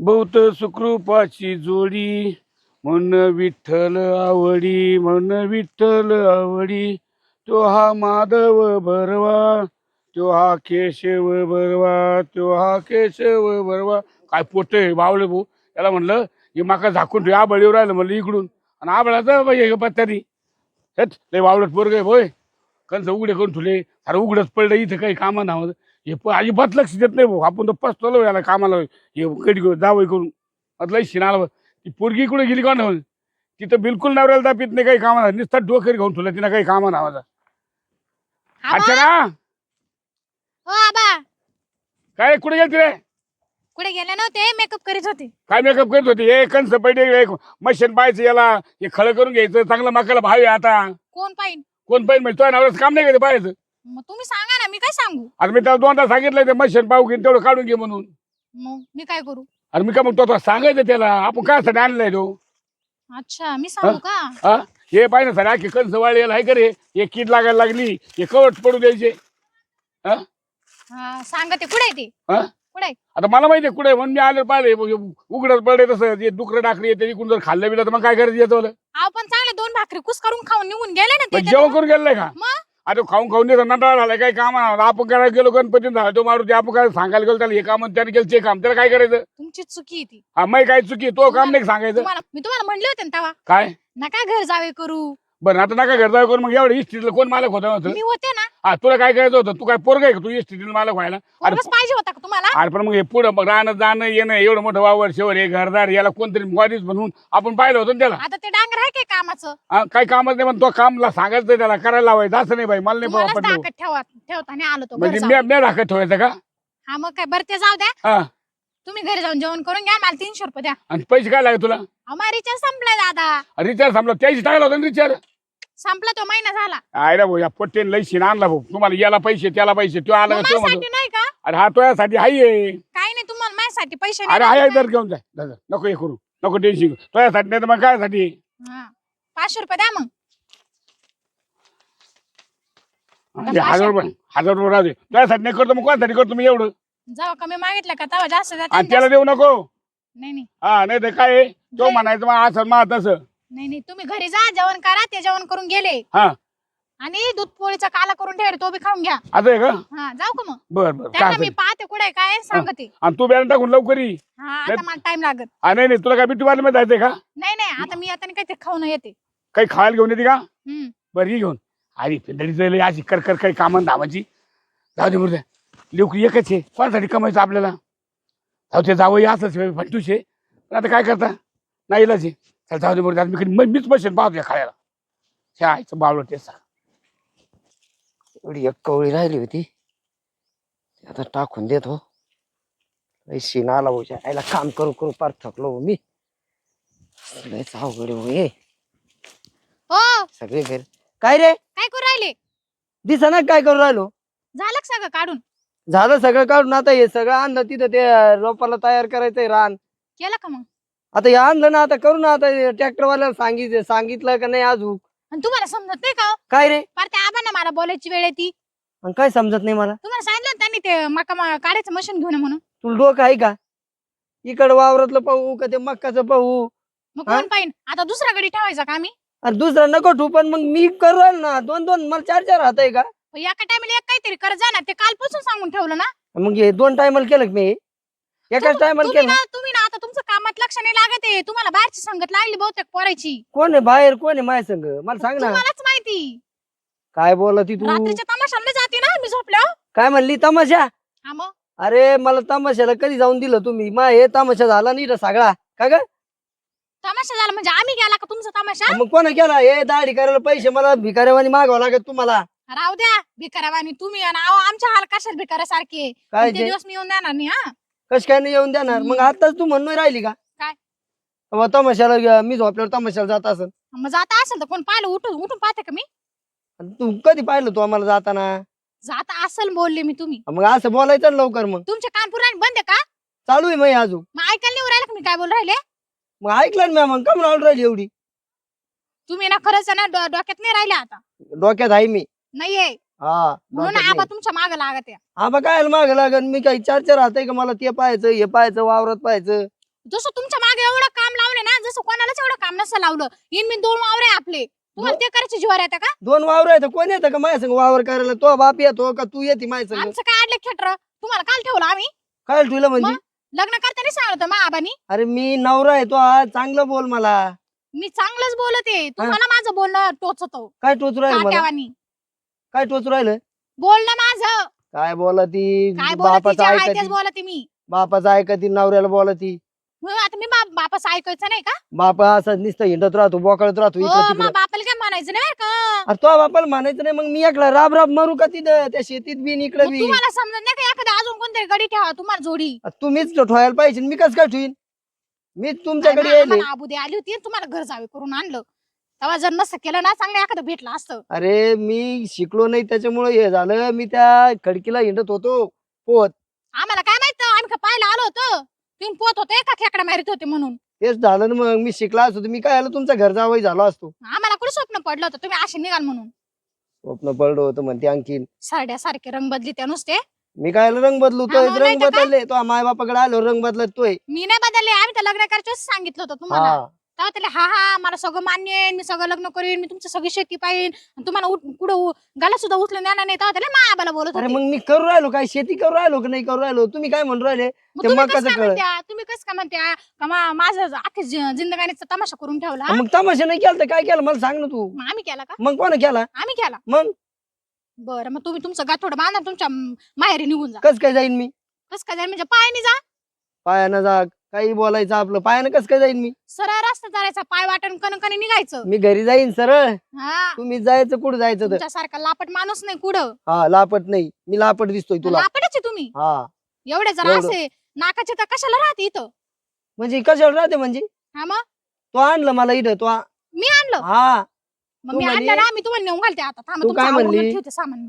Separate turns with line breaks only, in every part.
बहुत सुखरूपाची जोडी म्हण विठ्ठल आवडी म्हण विठ्ठल आवडी तो हा माधव बरवा तो हा केशव बरवा तो हा केशव बरवा. काय पोटे बावले भाऊ याला म्हणलं हे माका झाकून ठेव आबळीवर राहिलं म्हणलं इकडून आणि आबळाचं बाई पत्त्यानी हेच लय वावलत पोरग होय कंस उघडे करून ठेवले अरे उघडच पडलं इथं काही कामा नाव हे अजिबात लक्ष देत नाही भाऊ आपण तर पसतो याला कामाला हे कधी जावं करून लय शिनाला ती पोरगी कुठे गेली का ना तिथं बिलकुल नवऱ्याला दापीत नाही काही कामा नुसतं डोकर घेऊन ठेवलं तिनं काही कामा नावाचा. अच्छा ना
हो आबा.
काय कुठे गेलती रे?
कुठे गेले नव्हते, मेकअप करीत होते.
काय मेकअप करत होती? हे कंस पहिले मशीन पाहायचं याला हे खळं करून घ्यायचं चांगलं मकाला भाव आहे आता.
कोण पाहिजे?
कोण पाहिजे म्हणजे तुझ्या नवऱ्याचं काम नाही का ते पाहायचं?
मग तुम्ही सांगा ना, मी काय सांगू?
अरे मी त्याला दोनदा सांगितलं ते मशीन पाहू घेऊन तेवढं काढून घे म्हणून.
मग मी काय करू?
अरे मी काय म्हणतो आता सांगायचं त्याला आपण काय साठी आणलंय तो.
अच्छा मी सांगू का?
हा हे पाहिजे सर आखी कंस वाळी याला आहे का रे हे कीड लागायला लागली हे कवट पडू द्यायचे. हा
हा सांगा ते कुठे आहे ते?
हा
कुठे आहे?
आता मला माहितीये कुठे म्हणून मी आले पाहिले उघडत पडले तसं जे डुकरं टाकली येते इकडून जर खाल्लं बिलं तर मग काय करायचं येतं मला?
आपण चांगले 2 भाकरी कुस करून खाऊन निघून गेले ना ते.
जेवण करून गेलाय का?
मग
आता खाऊन खाऊन देतो नंतर झालाय काही काम आपण करायला गेलो गणपती झाला तो मारुती आपण काय सांगायला गेलो त्याला हे काम त्याने केलं ते काम त्याला काय करायचं?
तुमची चुकी आहे ती.
हा मग काय चुकी तो काम नाही सांगायचं
मी तुम्हाला म्हणले होते ना तेव्हा,
काय
नका घर जावे करू.
बरं आता नका घर जाऊ करून मग एवढं इस्ट्रीला कोण मालक होता होतं?
मी होते ना.
हा तुला काय करायचं होतं? तू काय पोरग आहे का तू इस्ट्रीला मालक व्हायला? अरे
पोरगंच पाहिजे होता का तुम्हाला?
अरे पण मग हे पुढं मग राहणं जाणं येणं एवढं मोठं वावर शेवर हे घरदार याला कोणतरी मॉडीच म्हणून आपण पाहिलं होतं ना त्याला.
आता ते डांगर आहे काय कामाचं?
काही कामच नाही पण तो कामला सांगायचं त्याला करायला लावायचं असं नाही बाई मला नाही
तुम्हालाच
पडलं.
ताकद ठेवताना आलो तो घर
म्हणजे
जाऊन.
मी राखत ठेवायचं का?
हा मग काय बरं ते जाऊ द्या.
हा
तुम्ही घरी जाऊन जेवण करून घ्या, मला 300 रुपये द्या.
आणि पैसे काय लागेल तुला?
अहो रिचार्ज संपलाय दादा.
रिचार्ज संपला त्याची टाकला होता रिचार्ज.
संपला तो महिना झाला.
आयला भाऊ या पोट्टेन लई शिन आणला भाऊ तुम्हाला याला पैसे त्याला पैसे तो आला
मग
का तो म्हणतो
माझ्यासाठी नाही का?
अरे हा तो यासाठी हाय.
काही नाही, तुम्हाला माझ्यासाठी पैसे
अरे
नाही
हाय
द्यायचे.
तर घेऊन जाय दादा नको हे करू नको टेन्शन तो यासाठी नाही तर मग काय साठी?
हा 500 रुपये द्या मग.
अरे 1000 रुपये राहू दे तुझ्यासाठी नाही करतो मग कोणासाठी करतो मी एवढं?
जेव्हा कमी मागितलं का तेव्हा जास्त द्या.
आणि त्याला देऊ नको.
नाही नाही
हा नाही तर काय आहे? तो म्हणायचं मग असं मग तसं.
नाही नाही, तुम्ही घरी जा जेवण करा. ते जेवण करून गेले
हा
आणि दूध पोळीचा काला करून ठेवले, तो बी खाऊन घ्या.
असं आहे का?
हा जाऊ का मग?
बर बर
त्यांना
काय
मी पाहते कुठे काय सांगते.
आणि तू बॅलन्स टाकून लवकर ये.
हा आता मला टाइम लागत.
नाही नाही तुला काय बिट्टू बाजू मध्ये जायचंय का?
नाही नाही, आता मी आता काहीतरी खाऊन येते.
काही खायला घेऊन येते का?
हम्म.
बरं ही घेऊन अरे पिंडळी अशी कर कर काही कामं धामाची जाऊ दे मुर्द्या लेकरू एकच आहे कोणासाठी कमायचं आपल्याला जाऊ ते जावं असंच फंटूश आहे पण आता काय करता नाही इलाज आहे चल जाऊ दे मुर्द्या मीच बसेन पाहतो खायला हे आईचं बावलं टेसा
एवढी एक कवळी राहिली होती ती आता टाकून देतो. शिन आला भाऊ आईला काम करू करू पार थकलो हो मी. लयच अवघड आहे हो हे.
हो
सगळे घर काय रे
काय करू राहिले?
दिसना काय करू राहिलो?
झालं का सगळं काढून?
झालं सगळं काढून आता हे सगळं आणलं तिथं ते रोपाला तयार करायचंय रान.
केलं का मग?
आता हे आणलं ना आता करू ना आता ट्रॅक्टर वाल्याला सांगितलं का नाही अजून?
आणि तुम्हाला समजत नाही का?
काय रे
पार त्या आबांना मला बोलायची वेळ येते.
आणि काय समजत नाही मला?
तुम्हाला सांगितलं ना त्यांनी ते मका काढायचं मशीन घेऊन ये म्हणून.
तुला डोकं आहे का? इकडं वावरातलं पाहू का ते मक्काचं पाहू?
मग
हा?
कोण पाहिजे? आता दुसरा गडी ठेवायचा का आम्ही?
अरे दुसरा नको ठू पण मग मी करू राहिलो ना 2-2 मला 4-4 हात आहे का?
एका टायमाला एक काहीतरी करत जा ना. ते कालपासून सांगून ठेवलं ना.
मग हे 2 टायमाला केलं का मी? एकाच टायमाला केलं.
तुम्ही ना आता तुमचं कामात लक्ष नाही लागत आहे. तुम्हाला बाहेरची संगत लागली बहुतेक पोरायची.
कोण आहे बाहेर कोण आहे माझ्या संग मला सांग ना.
तुम्हालाच माहिती.
काय बोलती तू?
रात्रीच्या तमाशाला जाते ना मी झोपल्यावर.
काय म्हणली तमाशा?
हा मग
अरे मला तमाशाला कधी जाऊन दिलं तुम्ही? मा हे तमाशा झाला नाही रे सगळा का ग?
तमाशा झाला म्हणजे आम्ही गेला का तुमचा तमाशा?
मग कोणा केला? हे दाढी करायला पैसे मला भिकाऱ्यावानी मागावं लागत तुम्हाला.
राहू द्या भिकाऱ्यावानी तुम्ही आणि अहो आमच्या हाल कशाला भिकाऱ्यासारखे.
काय
ते
ते
दिवस मी येऊन देणार नाही. हा
कश काय नाही येऊन देणार? मग आताच तू म्हणून राहिली का?
काय?
अहो, तमाशाला मी झोपल्यावर तमाशाला जात असेल.
मग जाता असेल तर कोण पाहिलं उठून उठून पाहते का मी?
तू कधी पाहिलं तू आम्हाला जाताना?
जाता असेल बोलले मी तुम्ही.
मग असं बोलायचं ना लवकर. मग
तुमच्या कानपुराने बंद आहे का?
चालू आहे मग अजून.
मग ऐकायला नाही राहिलं का मी काय बोल राहिले?
मग ऐकलं ना मग कम राहून राहिली एवढी?
तुम्ही ना खरंच ना डोक्यात नाही राहिले आता.
डोक्यात आहे मी.
नाहीये
हा
म्हणून
डोक्यात
आबा
नाही.
तुमच्या माग लागत आहे.
आबा काय माग लागन? मी काही 4-4 हात आहे का मला ते पाहायचं हे पाहायचं वावरात पाहायचं?
जसं तुमच्या मागे एवढं काम लावले ना, जसं कोणालाच एवढं काम नसतं लावलं. इन मी 2 वावरे आपले, तुम्हाला ते करायचे जीवावर येतं का?
2 वावर आहेत कोण येतं का माझ्या संग वावर करायला? तो बाप येतो का तू येते माझ्या संग?
आमचं काय अडलं खेटर, तुम्हाला काल ठेवलं आम्ही?
काय तुला म्हणजे?
मग? लग्न करताना सांगत मा आबानी.
अरे मी नवरा आहे तो आज, चांगलं बोल मला.
मी चांगलंच बोलते, तुम्हाला माझं बोलणं टोचतो
काय टोचू राहिलं मला?
काट्यावानी.
काय टोचू राहिलं?
बोलणं माझं
काय बोला ती?
काय बोलते,
बापाचं
जे आहे तेच
ऐकती,
बोलते मी.
बापाचं ऐकती, नवऱ्याला बोलती.
मग आता मी बापाचं ऐकायचं नाही का?
बाप असं नुसतं हिंडत राहतो, बोकळत राहतो
हो,
इकडं
मग
तिकडं.
बापाला काय म्हणायचं नाही बरं का?
अरे तो बापाला म्हणायचं नाही, मग मी एकला राब राब मरू का तिथं त्या शेतीत बी इकडे
मग
बी?
तुम्हाला समजत नाही का एखादा अजून कोणतरी गडी ठेवा तुम्हाला जोडी?
तुम्हीच ठेवायला पाहिजे, मी कसं काय ठेवीन? मीच तुमच्याकडे येईल.
आम्हाला आबू दे आली होती आणि तुम्हाला घर जावे करून आणलं. तेव्हा जर नसतं केलं ना, चांगलं एखादं भेटलं असतं.
अरे मी शिकलो नाही त्याच्यामुळे हे झालं. मी त्या खडकीला हिंडत होतो पोहत.
आम्हाला काय माहित, आम्ही का पाहायला आलो होतो तुम्ही पोत होते का खेकडा मारित होते म्हणून.
तेच झालं ना, मग मी शिकला असतो तर मी काय आलो तुमच्या घर जावई झालो असतो.
आम्हाला कुठे स्वप्न पडलं होतं तुम्ही असे निघाल म्हणून.
स्वप्न पडलं होतं म्हणते आणखीन.
सारखे रंग बदली त्या नुसते.
मी काय रंग बदलू?
हा,
तोय
मग नाही
रंग
तर काय?
बदलले. तो माय बापाकडे आलो रंग बदलत तोय.
मी नाही बदलले, आम्ही तर लग्न करायचं सांगितलं होतं तुम्हाला.
हा
तेव्हा त्याला हा हा मला सगळं मान्य आहे, मी सगळं लग्न करीन, मी तुमची सगळी शेती पाहिजे, तुम्हाला कुठं गाला सुद्धा उचलून देणार नाही. तेव्हा त्याला मा आबाला बोलत
अरे
होते.
मग मी करू राहिलो काय? शेती करू राहिलो की नाही करू राहिलो? तुम्ही काय म्हणून राहिले?
मग
ते
तुम्ही
मग
कसं
कसं
काय
कळ?
म्हणत्या, तुम्ही कसं काय म्हणत्या का माझं अख्खी जिंदगानीचा तमाशा करून ठेवला.
मग तमाशा नाही केला तर काय केलं मला सांग ना तू.
मग आम्ही केला का?
मग कोण केला?
आम्ही केला.
मग
बरं, मग तुम्ही तुमचं गाठोडं बांधा, तुमच्या माहेरी निघून जा.
कस काय जाईन मी?
कसं काय जाईल म्हणजे पायाने जा.
पायानं जा, काही बोलायचं आपलं. पायानं कस काय जाईन मी?
सरळ रस्ता चालायचा, पाय वाटण कणकणी निघायचं.
मी घरी जाईन सरळ.
हा,
तुम्ही जायचं कुठं जायचं तर?
तुमच्यासारखा लापट माणूस नाही कुठं.
हा लापट नाही, मी लापट दिसतोय तुला?
लापटच आहे तुम्ही.
हा
एवढे जर
एवढं.
असे नाकाचे तर कशाला राहते इथं.
म्हणजे कशाला राहते म्हणजे?
हा, मग
तो आणलं मला इथं तो
मी आणलं.
हा
मग
तू
मी
म्हणे-
आणलं ना, मी तुम्हाला नेऊन घालते आता. थांबा,
तू
तुमचं
काय
आवरून
म्हणली?
ठेवते सामान.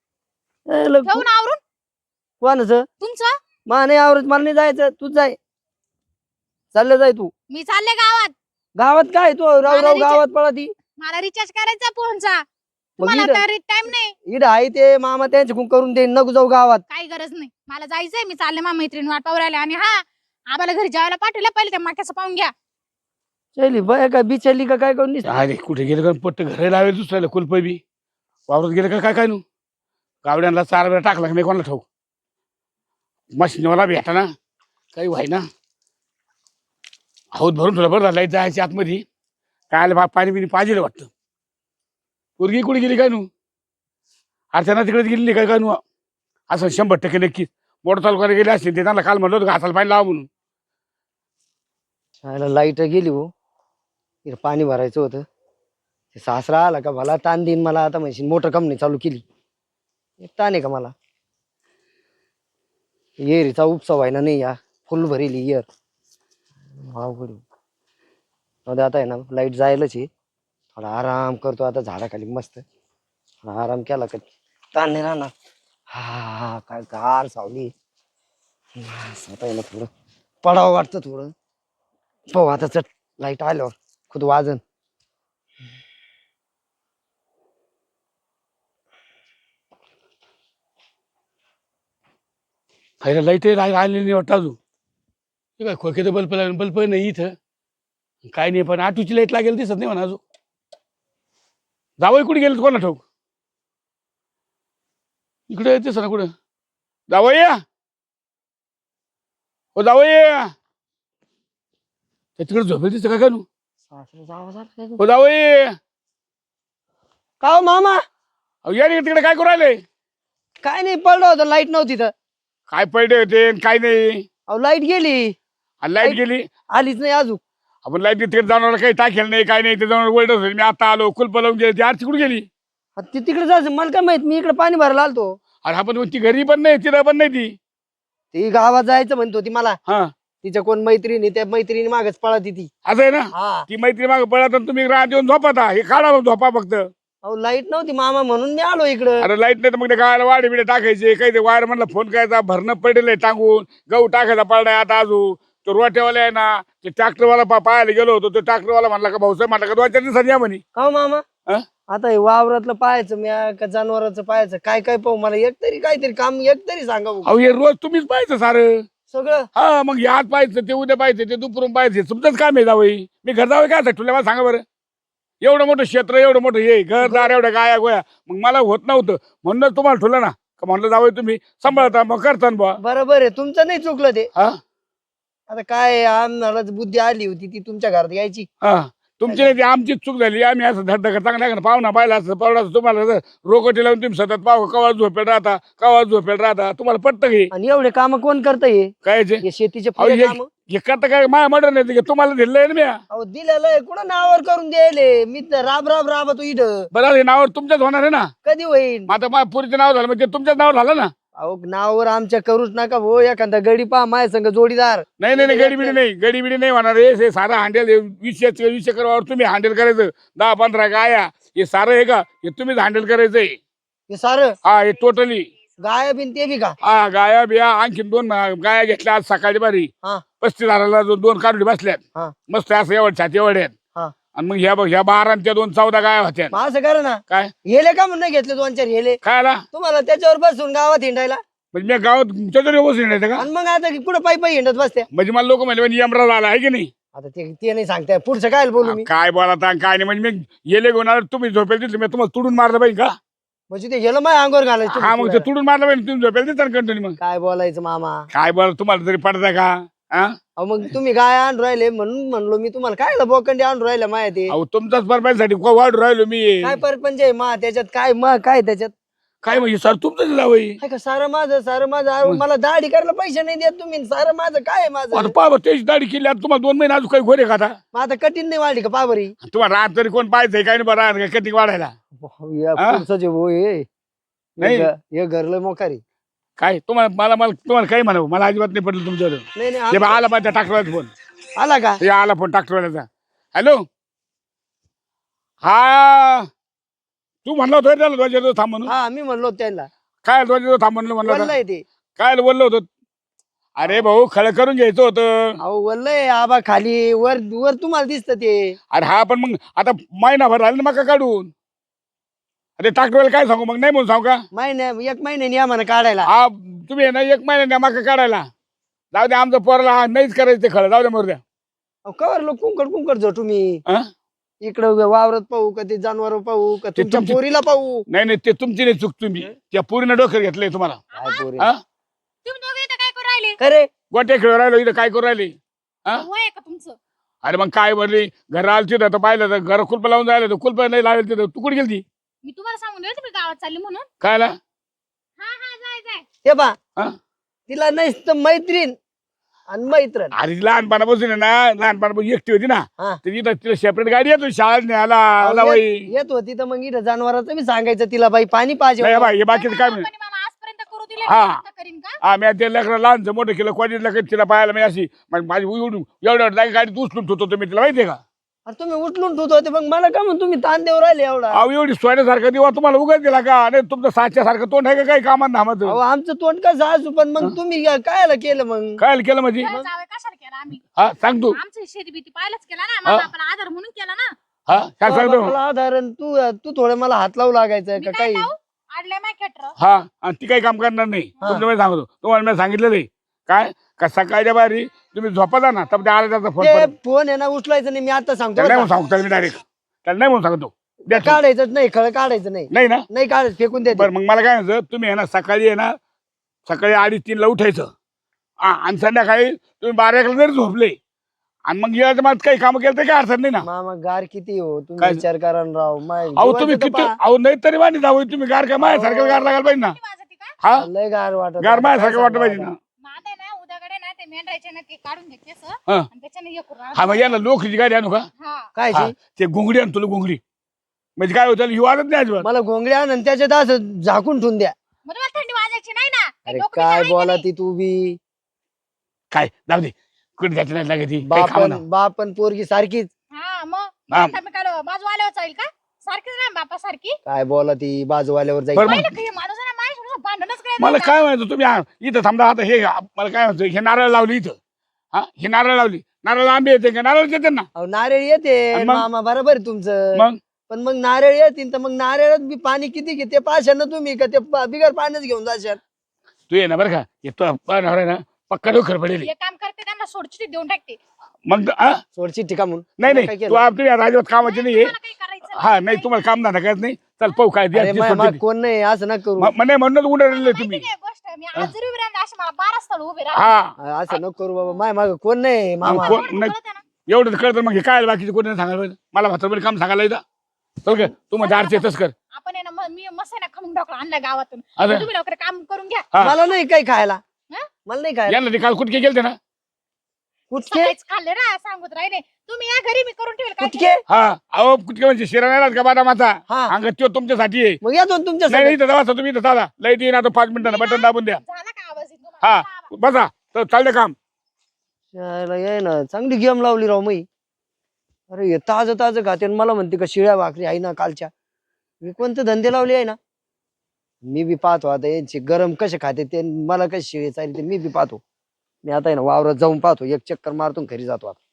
ए, लग-
ठेवून आवरून
कोणाचं?
तुमचं.
मा नाही आवरत, मला नाही जायचं, तूच जाय. चाललं जाय तू.
मी चालले गावात.
गावात काय तू राव
मला
राव
रिचार्ज-
गावात पळा ती.
मला रिचार्ज करायचा फोनचा.
मग
तुम्हाला
इथं-
तर टाइम नाही.
इथं आहे ते मामा त्यांच्याकडून करून दे, नको जाऊ गावात.
काही गरज नाही, मला जायचंय. मी चालले मा मैत्रीण वाट पाहू राहिल्या. आणि हा, आम्हाला घरी जेवायला पाठवलं, पहिले त्या माक्याचं पाहून घ्या.
चली बाय काय बिचारली का काय करून दिसत?
अरे कुठे गेलं का पट्ट घर लावेल दुसऱ्याला कुलप बी वावरत गेलं का काय काय नू गावड्यांना 4 वेळा टाकला का नाही कोणाला ठाऊ मशीनवाला भेटा ना काही व्हाय ना हौद भरून ठेवलं बरं लाईट जायची आतमध्ये काय बा पाणी बिणी पाहिजे वाटतं पोरगी कुठे गेली काय नू अर्चना तिकडे गेली काय काय नू असं 100% नक्की मोठं तालुक्याला गेले असतील ते त्यांना काल म्हणलं होतं घासाला पाणी लावा म्हणून
लाईट गेली हो. इथं पाणी भरायचं होतं. ते सासरा आला का भला ताण देईन मला आता. म्हणशील मोटर कंपनी चालू केली. एक ताण आहे का मला? येरीचा उपसा व्हायना नाही या फुल भरेली येर. अवघड आहे. जाऊ आता आहे ना, लाईट जायलाच आहे. थोडा आराम करतो आता झाडाखाली मस्त. थोडा आराम केला का ताण नाही राहणार. हा हा काय गार सावली. आता आहे ना थोडं पडावं वाटतं थोडं. पाहू आता चट लाईट आल्यावर खुद वाजन.
खायला लाईट आलेली नाही वाटतं अजून ते काय खोक्याचं बल्ब नाही इथं काय नाही पण आटूची लाईट लागेल दिसत नाही म्हणा अजून जावई कुठे गेलं कोणा ठाऊक इकडे येतेस ना कुठं जावई या हो जावई या तिकडे झोपेल दिसतं काय नू हो जावई
का हो मामा?
अहो या रे तिकडे काय करू राहिले
काय नाही, पडलं होतं लाईट नव्हती तर.
काय पडले होते काय नाही
अहो लाईट गेली,
लाईट गेली
आलीच नाही अजून.
आपण लाईट तिकडे जाणार काही टाकेल नाही काय नाही ते जाणार वर्ल्ड मी आता आलो कुलप लावून गेली ती आरती कुठे गेली
ती तिकडे जायचं मला काय माहित. मी इकडे पाणी भरायला आलतो.
अरे आपण ती घरी पण नाही तिला पण नाही ती
ती गावात जायचं म्हणत होती मला.
हा
तिच्या कोण मैत्रिणी, त्या मैत्रिणी मागच पळत ती.
असं आहे ना
हा
ती मैत्री मागे पळत आणि तुम्ही रात येऊन झोपता हे काढा मग झोपा फक्त
अहो लाईट नव्हती मामा म्हणून मी आलो इकडं.
अरे लाईट नाही तर मग ते गावाला वाडे बिडे टाकायचे काही ते वायर म्हणलं फोन करायचा भरणं पडेल टांगून गहू टाकायचा पडलाय आता अजून तो रोट्यावाला आहे ना ते ट्रॅक्टरवाला पाहायला गेलो होतो तो ट्रॅक्टरवाला म्हणला का भाऊसाहेब म्हणला का 2-4 दिवसांनी या म्हणे
का हो मामा?
हा?
आता हे वावरातलं पाहायचं मी का जनावरांचं पाहायचं काय काय पाहू? मला एक तरी काहीतरी काम एक तरी सांगा भाऊ.
अहो हे रोज तुम्हीच पाहायचं सारं
सगळं
हा मग हे आज पाहायचं ते उद्या पाहायचं ते दुपारून पाहायचं तुमचंच काम आहे जावई. मी घर जावं काय तुला मला सांगा बरं. एवढं मोठं क्षेत्र एवढं मोठं हे घरदार एवढ्या गाया गोया मग मला होत नव्हतं म्हणूनच तुम्हाला ठेवलं ना का म्हणलं जावई तुम्ही सांभाळता मग करता बुवा.
बरोबर आहे तुमचं नाही चुकलं ते.
हा
आता काय आम्हाला बुद्धी आली होती ती तुमच्या घरात यायची.
हा तुमची नाही ती आमचीच चूक झाली. आम्ही असं धडधड चांगला पाहुणा पाहिला असं पावडा तुम्हाला रोकटी लावून तुम्ही सतत पाहू कवा झोपेल राहता कवा झोपेल राहता तुम्हाला पटतं की
आणि एवढे काम कोण करत हे
काय जे
शेतीचे
अहो,
पुरे काम.
हे करता काय माया मर्डर नाही की तुम्हाला दिलंय ना मी.
अहो दिलेलं आहे कुठं नावावर करून द्यायले मी तर राब राब राबतो इथं.
बरं हे नावावर तुमच्याच होणार आहे ना.
कधी होईल.
मग आता माझ्या पुरीचं नाव झालं म्हणजे तुमच्याच नाव झालं ना.
अहो नावावर आमच्या करूच नका हो एखादा गडी पहा माझ्या संग जोडीदार.
नाही नाही नाही गडीबिडी नाही गडीबिडी नाही होणार हे सारं हँडल 20 एकरवर तुम्ही हँडल करायचं 10-15 गाया हे सारं आहे का हे तुम्हीच हँडल करायचंय.
हे सारं
हा हे टोटली
गाय बिन ते बी का.
हा गाया बिया आणखीन 2 गाया घेतल्या आज सकाळी बारी
हा
35,000ला 2 काढली बसल्यात
हा
मस्त असं एवढ छाती एवढ्या
हा
आणि मग ह्या 12 आणि त्या 14 गाया होत्या.
मग असं करा ना
काय
हेले का म्हणून नाही घेतले 2-4 हेले
खायला
तुम्हाला त्याच्यावर बसून गावात हिंडायला.
म्हणजे मी गावात तुमच्याकडे बसून येते का
आणि मग आता कुठं पायी पायी हिंडत बसते.
म्हणजे मला लोक म्हणजे यमराज आला आहे की नाही.
आता ते नाही सांगताय पुढचं काय बोलू मी.
काय बोला काय नाही म्हणजे मी येले घेऊन आलो तुम्ही झोपेल तिथलं मी तुम्हाला तुडून मारलं पाहिजे का.
म्हणजे ते गेलं माझ्या अंगावर घालायचं.
हा मग ते तुडून मारलं पाहिजे तुम्ही झोपेल तिथं कंटिन्यू. मग
काय बोलायचं मामा.
काय बोला तुम्हाला तरी पडता का. हा
अहो मग तुम्ही गाय आणून राहिले म्हणून म्हणलो मी तुम्हाला काय बोकंडी आणून राहिला माया ते.
अहो तुमचाच परपायसाठी वाढ राहिलो मी.
काय परपंच आहे मा त्याच्यात काय मग काय त्याच्यात
काय म्हणजे सर तुमचं लावई
काय का सारं माझं अहो, मला दाढी करायला पैसे नाही देत तुम्ही सारं माझं काय आहे माझं.
आता पाहा त्याची दाढी केली आता तुम्हाला 2 महिने अजून काही घोरे का आता.
मग आता कठीण नाही वाढली का पाबरी.
तुम्हाला राहत तरी कोण पाहायचंय काय नाही बरं कटिंग वाढायला. हा? नाही.
हे घरलं मोकारी.
काय तुम्हाला काय म्हणावं मला अजिबात नाही पडलं तुमच्यावर.
नाही नाही
हे बघ, आला पाहिजे ट्रॅक्टरवाला फोन
आला का.
हे आला फोन ट्रॅक्टरवाल्याचा. हॅलो हा तू म्हणला होता त्याला ध्वजाजवळ थांब म्हणून.
हा मी म्हणलो त्यांना
काय ध्वजाजवळ थांब म्हणलं म्हणलं होतं?
वल्लय ते.
काय बोललो होतो. अरे भाऊ खळ करून घ्यायचं होतं.
अहो वल्लय आबा खाली वर वर तुम्हाला दिसत ते.
अरे हा पण मग आता महिनाभर राहिलं ना मका काढून. अरे ट्रॅक्टरवाला काय सांगू मग नाही म्हणून सांगू का.
एक महिन्याने या म्हणा काढायला.
हा तुम्ही आहे ना 1 महिन्याने मका काढायला जाऊ द्या आमचं पोराला हा नाहीच करायचं ते खळ जाऊ द्या मरू द्या.
कवर लोक कुंकड जो तुम्ही
हा?
इकडं वावरत पाहू का ते जनावर पाहू का
ते
तुमच्या
तुमची-
पोरीला पाहू.
नाही ते तुमची नाही चूक तुम्ही त्या पुरीनं डोक्यात घेतलंय तुम्हाला.
काय पोरी.
हा
तुम्ही दोघे इथं काय करू राहिले.
खरे
गोट्या खेळ राहिलो इथं काय करू राहिले. हा?
वय आहे का तुमचं.
अरे मग काय बोलली घर आलं तिथं तर पाहिलं तर घर कुलप लावून जायला कुलप नाही लावेल तिथं तू कुठे गेली
मी तुम्हाला सांगून दिलं तुम्ही गावात चालली म्हणून.
कायला.
हा हा जाय
हे बा
हा?
तिला नाही मैत्रीण आणि मैत्रण.
अरे लहानपणापासून आहे ना लहानपणापासून एकटी होती ना
हा.
तर इथं तिला सेपरेट गाडी येतो शाळेत न्यायला आला बाई.
येत होती तर मग इथं जनावरांचं मी सांगायचं तिला बाई पाणी पाहिजे.
नाही बाई हे बाकीचं काय
पण
नाही.
मामा आजपर्यंत करू दिले
हा.
नाही, आता करीन का.
हा मी ते लेकरं लहानचं मोठं केलं कॉलेजला तिला पाहायला मी अशी माझी एवढ्या जागी गाडी उचलून ठेवतो तुम्ही तिला माहितीये का.
अरे तुम्ही उठलून ठेवत होते मग मला का म्हणून तुम्ही ताण देऊ राहिले एवढा.
अहो एवढी सोन्यासारखं दिवा तुम्हाला उगाच दिला का. अरे तुमचं साच्यासारखं तोंड आहे का काही कामात
अहो
नामाचं.
आमचं तोंड कसं असू पण मग तुम्ही कायला केलं मग.
काय केलं म्हणजे.
बरं, जावई कशाला केला आम्ही.
हा सांग तू.
आमची शेती भीती पाहिलंच केला ना मामा आपण आधार म्हणून केला ना.
हा काय सांगतो.
मला आधारण तू तू थोडं मला हात लावू लागायचं
मी
का
काय
काही.
लावू आडलंय माय खेटर.
हा आणि ती काही काम करणार नाही
हा.
तुमचं मी सांगतो तुम्हाला मी सांगितलेलं आहे काय का सकाळच्या बारी तुम्ही झोपा ना तर आला त्याचा फोन
ते फोन आहे ना उचलायचं नाही मी आता सांगतो
त्याला नाही
बरं
म्हणून सांगतो मी डायरेक्ट त्याला नाही म्हणून सांगतो द्या
का.
ठेवून.
काढायचं नाही खळ काढायचं नाही.
नाही ना
नाही काढायचं फेकून द्यायचं.
बरं मग मला काय म्हणायचं तुम्ही आहे ना सकाळी आहे ना सकाळी 2:30-3ला उठायचं आणि संध्याकाळी तुम्ही 12-1ला जरी झोपले आणि मग याच्या मग काही काम केलं तर काय अडचण नाही ना.
मामा गार किती हो तुम्ही
काय?
विचार करा ना राव
अहो तुम्ही किती अहो नाही तरी वाणी जाऊ तुम्ही गार काय माझ्यासारखं गार लागायला पाहिजे ना.
किती वाजती का.
हा
लय गार वाटत.
गार माझ्यासारखं वाटलं पाहिजे ना.
माझं आहे ना उद्याकडे ना ते मेंढरायचे ना ते काढून घे केस
हा.
आणि त्याच्याने हे करू.
हा मग याला लोकची गाडी आणू का.
हा
काय
हा, ते घोंगडी आण तुला घोंगडी म्हणजे काय होतं ही वाजत नाही अजिबात.
मला घोंगडी आण आणि त्याच्यात असं झाकून ठेवून द्या.
मग तुम्हाला थंडी वाजायची नाही ना. ते
अरे
डोकं
काय
बिकं आहे
बोला
की
ती तू बी.
काय जाऊ दे कुठे जायचं नाही लागत ती काही खाऊ ना.
बापन पोरगी सारखीच.
नाही? हा मग
हा.
आता मी काय बाजू आल्यावर चालेल का सारखीच नाही बापा सारखी.
काय बोला ती बाजूवाल्यावर जाईल.
बरं मग
पहिलं की माणूस आहे ना माझ्या भांडणच करायचं
मला
नाही.
काय म्हणायचं तुम्ही इथं थांबा आता हे मला काय म्हणायचं हे नारळ लावली इथं. हा हे नारळ लावली नारळ आंबे येते का नारळ येते ना.
अहो नारळ येते
आणि मग?
मामा बरोबर आहे तुमचं.
मग
पण मग नारळ येतील तर मग नारळात बी पाणी किती घेते पाशानं तुम्ही का ते बिगर पाण्याच घेऊन जाशाल.
तू ये ना बरं का येतो आहे ना पक्का डोकर पडेल
एक काम करते त्यांना सोडचिठी देऊन टाकते.
मग हा?
सोडची टिका म्हणून
नाही
काय
नाही
केलं?
तू आपली राजवत कामाची नाहीये
तुम्हाला काही करायचं
हा नाही तुम्हाला काम धंदा करत नाही चल पाहू काय द्या
अरे माग कोण नाही असं ना करू
म्हणे म्हणून उडवलेलं
माहिती
तुम्ही
काय गोष्ट मी आज जरी उभी राहिली अशी मला 12 स्थळ उभे
हा
असं नको करू बाबा माय माग कोण नाही मामा
कोण नाही एवढं कळतं मग हे काय बाकीचे कोणी नाही सांगायला पाहिजे. मला भातर काम सांगायला येतं चल का तू माझ्या आरची येतच कर
आपण आहे ना मी मसाला खमून टाकला आणला गावातून
अरे.
तुम्ही लवकर काम करून घ्या.
हा.
मला नाही काही खायला
हा?
मला नाही खायला
यांना ते काल कुठके गेलते ना
कुठके
सकाळीच खाल्ले ना सांगत राहिले तुम्ही या घरी मी करून ठेवेल काय
कुठके
हा अहो कुठके म्हणजे शिरा नाही राहत का बादामाचा
हा
अंग तो तुमच्यासाठी आहे
मग येतो ना तुमच्या
नाही
सोबत.
नाही तर तुम्ही इथं दादा लाईट येईन आता 5 मिनिटांना बटन दाबून द्या
झाला का आवाज येतो
हा बसा तर चालले काम
शाळेला ये ना चांगली गेम लावली राव मी अरे हे ताजं ताजं खाते आणि मला म्हणते का शिळ्या भाकरी आहे ना कालच्या मी कोणते धंदे लावले आहे ना मी बी पाहतो आता यांचे गरम कसे खाते ते मला कसे शिळे चालते मी बी पाहतो मी आता आहे ना वावरात जाऊन पाहतो एक चक्कर मारतो आणि घरी जातो आता